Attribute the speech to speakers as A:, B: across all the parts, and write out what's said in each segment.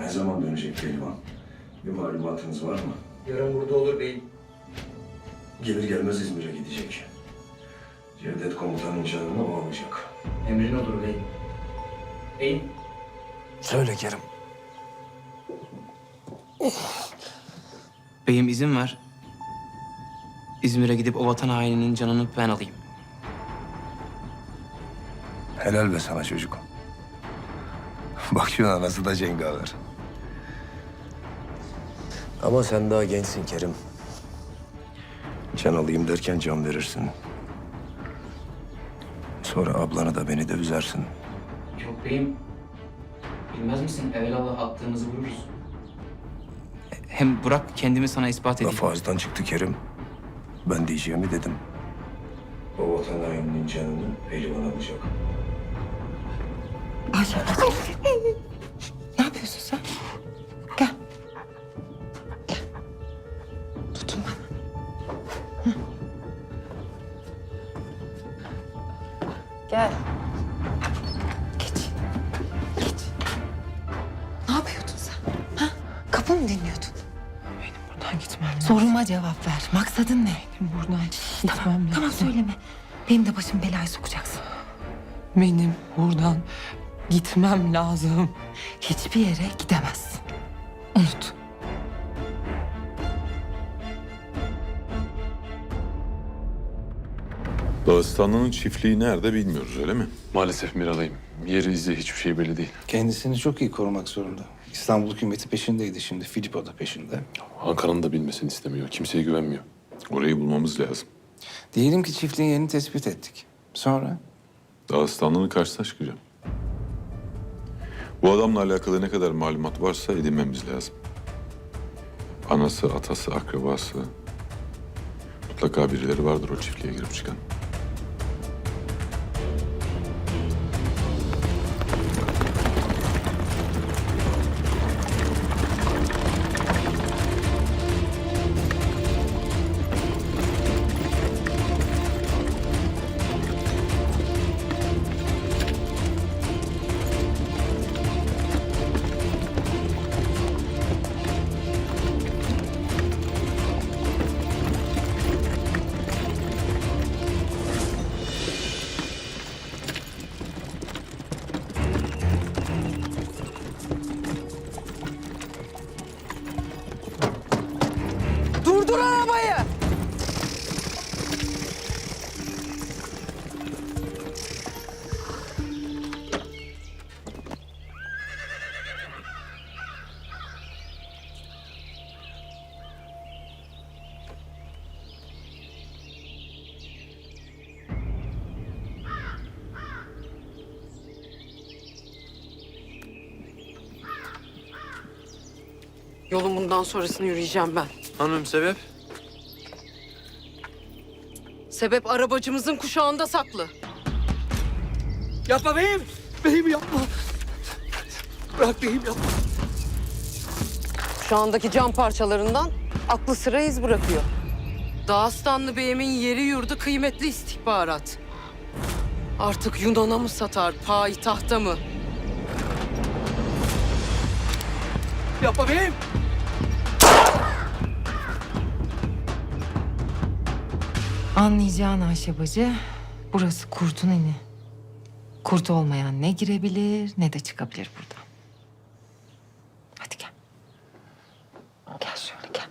A: Ne zaman dönecek Pehlivan? Bir malumatınız var mı?
B: Yarın burada olur beyim.
A: Gelir gelmez İzmir'e gidecek. Cevdet komutanın canını o alacak.
B: Emrin olur beyim. Beyim.
A: Söyle Kerim.
C: Beyim izin ver. İzmir'e gidip o vatan haininin canını ben alayım.
A: Helal be sana çocuk. Bak şu anası da cengaver. Ama sen daha gençsin Kerim. Can alayım derken can verirsin. Sonra ablanı da beni de üzersin.
C: Yok beyim. Bilmez misin? Evelallah attığımızı vururuz. Hem bırak kendimi sana ispat edeyim.
A: Laf ağızdan çıktı Kerim. Ben diyeceğimi dedim. O vatan haininin canını Pehlivan alacak.
D: Ayşe. Ne yapıyorsun sen? Gel. Gel. Tutun bana. Hı. Gel. Geç. Geç. Ne yapıyordun sen? Ha? Kapı mı dinliyordun?
E: Benim buradan gitmem lazım.
D: Soruma cevap ver. Maksadın ne?
E: Benim buradan gitmem
D: Tamam,
E: lazım.
D: tamam söyleme. Benim de başım belaya sokacaksın.
E: Benim buradan gitmem lazım.
D: Hiçbir yere gidemezsin. Unut.
F: Dağıstanlı'nın çiftliği nerede bilmiyoruz, öyle mi?
G: Maalesef Miralay'ım. Yeri izi hiçbir şey belli değil.
H: Kendisini çok iyi korumak zorunda. İstanbul hükümeti peşindeydi şimdi. Filippo da peşinde.
G: Ankara'nın da bilmesini istemiyor. Kimseye güvenmiyor.
F: Orayı bulmamız lazım.
H: Diyelim ki çiftliğin yerini tespit ettik. Sonra?
F: Dağıstanlı'nın karşısına çıkacağım. Bu adamla alakalı ne kadar malumat varsa edinmemiz lazım. Anası, atası, akrabası... Mutlaka birileri vardır o çiftliğe girip çıkan.
E: Durdur arabayı! Yolun bundan sonrasını yürüyeceğim ben.
C: Hanım sebep?
E: Sebep arabacımızın kuşağında saklı.
B: Yapma beyim. Beyim yapma. Bırak beyim yapma.
E: Kuşağındaki cam parçalarından aklı sıra iz bırakıyor. Dağıstanlı Bey'imin yeri yurdu kıymetli istihbarat. Artık Yunan'a mı satar, payitahta mı?
B: Yapma beyim.
D: Anlayacağın Ayşe bacı, burası kurtun ini. Kurt olmayan ne girebilir ne de çıkabilir buradan. Hadi gel. Gel şöyle gel.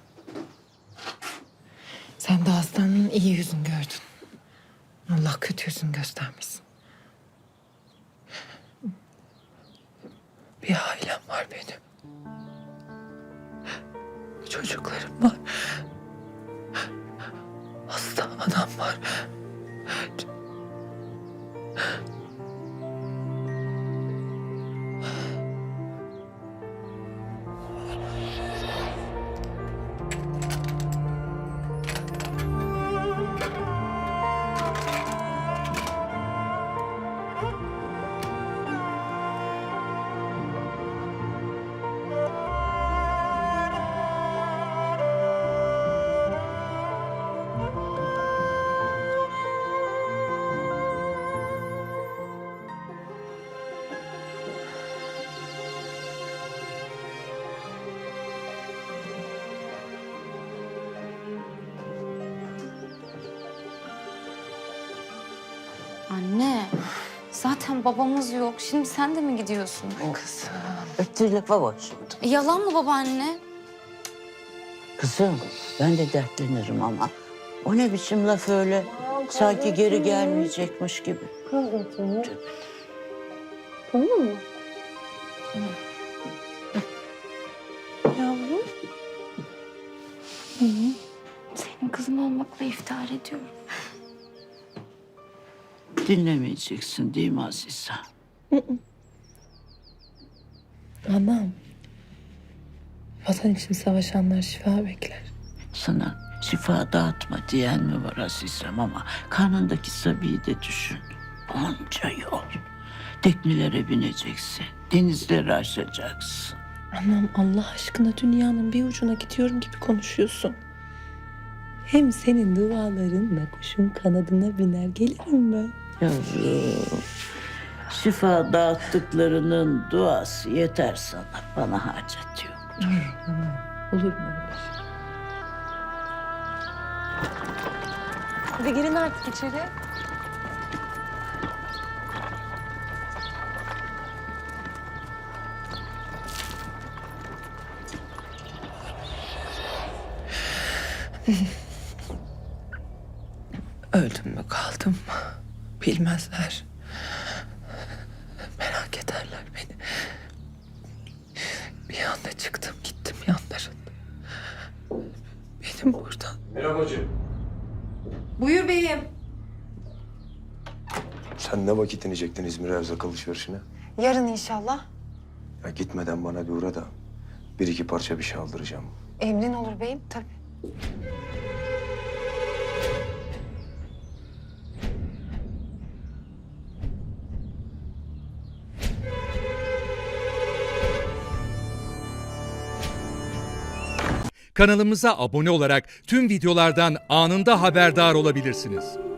D: Sen de aslanın iyi yüzünü gördün. Allah kötü yüzünü göstermesin.
E: Bir ailem var benim. Çocuklarım var. Hasta anam var.
I: Anne, zaten babamız yok. Şimdi sen de mi gidiyorsun?
D: Kızım.
B: Öttürlükle başladı.
I: Yalan mı babaanne?
B: Kızım ben de dertlenirim ama. O ne biçim laf öyle? Sanki geri gelmeyecekmiş gibi.
I: Yavrum. Senin kızın olmakla iftihar ediyorum.
B: Dinlemeyeceksin değil mi Azize?
D: Anam. Vatan için savaşanlar şifa bekler.
B: Sana şifa dağıtma diyen mi var Azizem ama karnındaki Sabi'yi de düşün. Onca yol. Teknelere bineceksin, denizleri aşacaksın.
D: Anam Allah aşkına dünyanın bir ucuna gidiyorum gibi konuşuyorsun. Hem senin dualarınla kuşun kanadına biner gelirim ben.
B: Yavrum, şifa dağıttıklarının duası yeter sana. Bana hacet yok.
D: Olur mu öyle şey? Hadi girin artık içeri. Öldüm mü kaldım mı bilmezler. Merak ederler beni. Bir anda çıktım gittim yanlarında. Benim buradan.
E: Buyur beyim.
A: Sen ne vakit inecektin İzmir erzak alışverişine?
D: Yarın inşallah.
A: Ya gitmeden bana bir uğra da bir iki parça bir şey aldıracağım.
D: Emrin olur beyim tabii.
J: Kanalımıza abone olarak tüm videolardan anında haberdar olabilirsiniz.